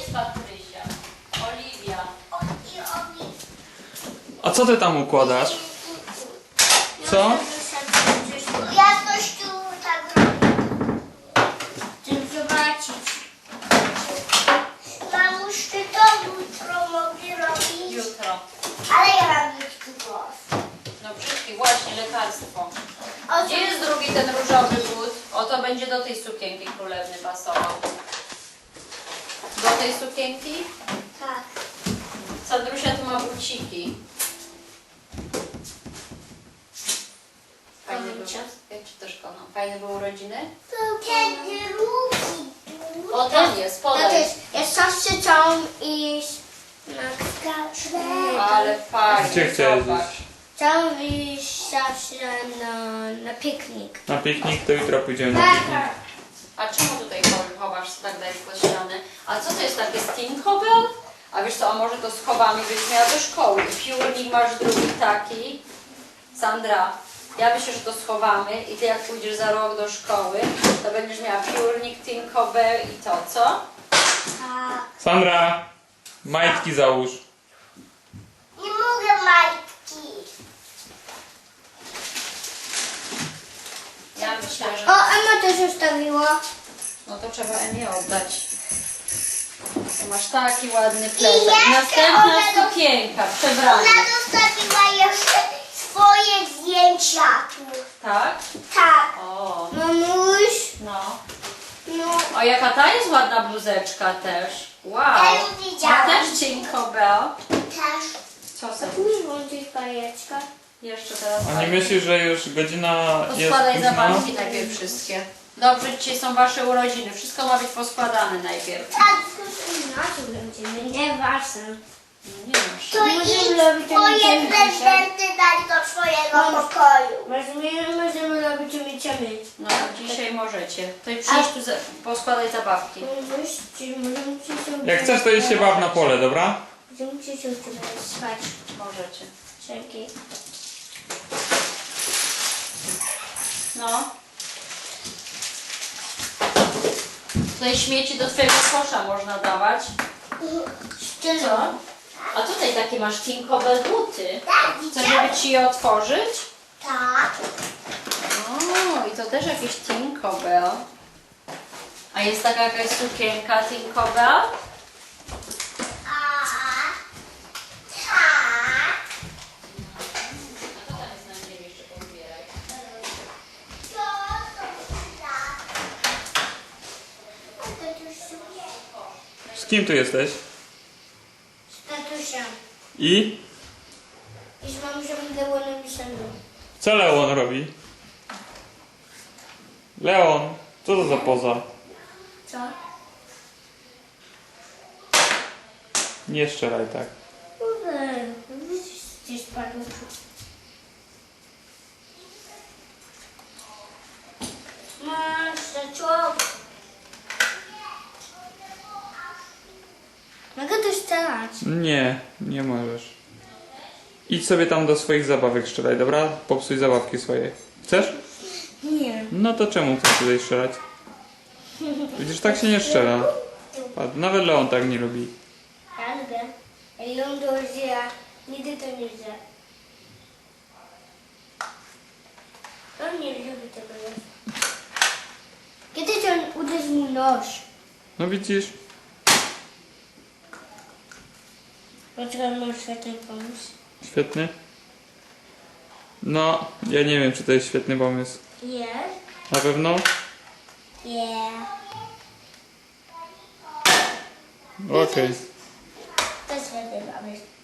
jest Patrysia? Oliwia. A co ty tam układasz? Co? Ja coś tu tak robię. Chcę zobaczyć. Mamuś, ty to jutro mogę robić? Jutro. Ale ja mam brzydki głos. No brzydki, właśnie, lekarstwo. O, Gdzie jest drugi ten różowy but? O, to będzie do tej sukienki królewny pasował. Do tej sukienki? tak. Sandrusia tu ma buciki. Fajne były, czy też koną? Fajne były urodziny? Ten drugi. O, tam jest, To podaj. jest, ja zawsze chciałam iść na skaczę. Ale fajnie, Gdzie chciałeś zobacz. iść? Chciałam iść zawsze na piknik. Na piknik? To jutro pójdziemy na piknik. A czemu tutaj chowasz tak daleko ściany? A co to jest takie Stinkobel? A wiesz co, a może to schowamy, byś miała do szkoły. I piórnik masz drugi taki. Sandra, ja myślę, że to schowamy i ty jak pójdziesz za rok do szkoły, to będziesz miała piórnik, Tinkerbell i to, co? Tak. Sandra, majtki załóż. Nie mogę majtki. Ja myślę, że... O, Emma też zostawiła. No to trzeba Emię oddać. Tu masz taki ładny plecak. jeszcze Następna ona sukienka, przebrana. Ona zostawiła jeszcze swoje zdjęcia tu. Tak? Tak. O, Mamuś. no. No. O, jaka ta jest ładna bluzeczka też. Wow. Ja ją widziałam. A też Tinkerbell. Też. Co sobie? Musisz włączyć bajeczkę. Jeszcze teraz. A nie myślisz, że już godzina jest Poskładaj późna? zabawki najpierw wszystkie. Dobrze, dzisiaj są wasze urodziny. Wszystko ma być poskładane najpierw. Tak, inaczej będziemy, nieważne. Nie masz. To Możemy robić twoje umiejętności. prezenty dać do twojego pokoju. Możemy robić umieciami. No, dzisiaj możecie. To i przyjdź tu, poskładaj zabawki. Możemy się Jak chcesz, to idź się baw na pole, dobra? Możemy się spać. Możecie. Dzięki. No. Tutaj śmieci do twojego kosza można dawać. Co? A tutaj takie masz Tinkerbell buty. Tak, Chcesz, widziałam. żeby ci je otworzyć? Tak. O, i to też jakieś Tinkerbell. A jest taka jakaś sukienka Tinkerbell? A, tak. A to tam jest na ziemi, jeszcze pozbieraj. To tak. A to już sukienko. Z kim tu jesteś? Z tatusią. I? I z mamą było napisane. Co Leon robi? Leon, co to za poza? Co? Nie strzelaj tak. Kurde, gdzieś spadło. Masz zaczął. Mogę to strzelać. Nie, nie możesz. Idź sobie tam do swoich zabawek strzelaj, dobra? Popsuj zabawki swoje. Chcesz? Nie. No to czemu chcesz tutaj strzelać? Widzisz, tak się nie strzela. Nawet Leon tak nie lubi. Ja lubię. Ja ją dożyję. Nigdy to nie widzę. On nie lubi tego. Kiedyś on uderzył mi nóż. No widzisz? Dlaczego mam świetny pomysł? Świetny. No, ja nie wiem, czy to jest świetny pomysł. Jest. Na pewno? Yeah. Okej. To jest świetny pomysł.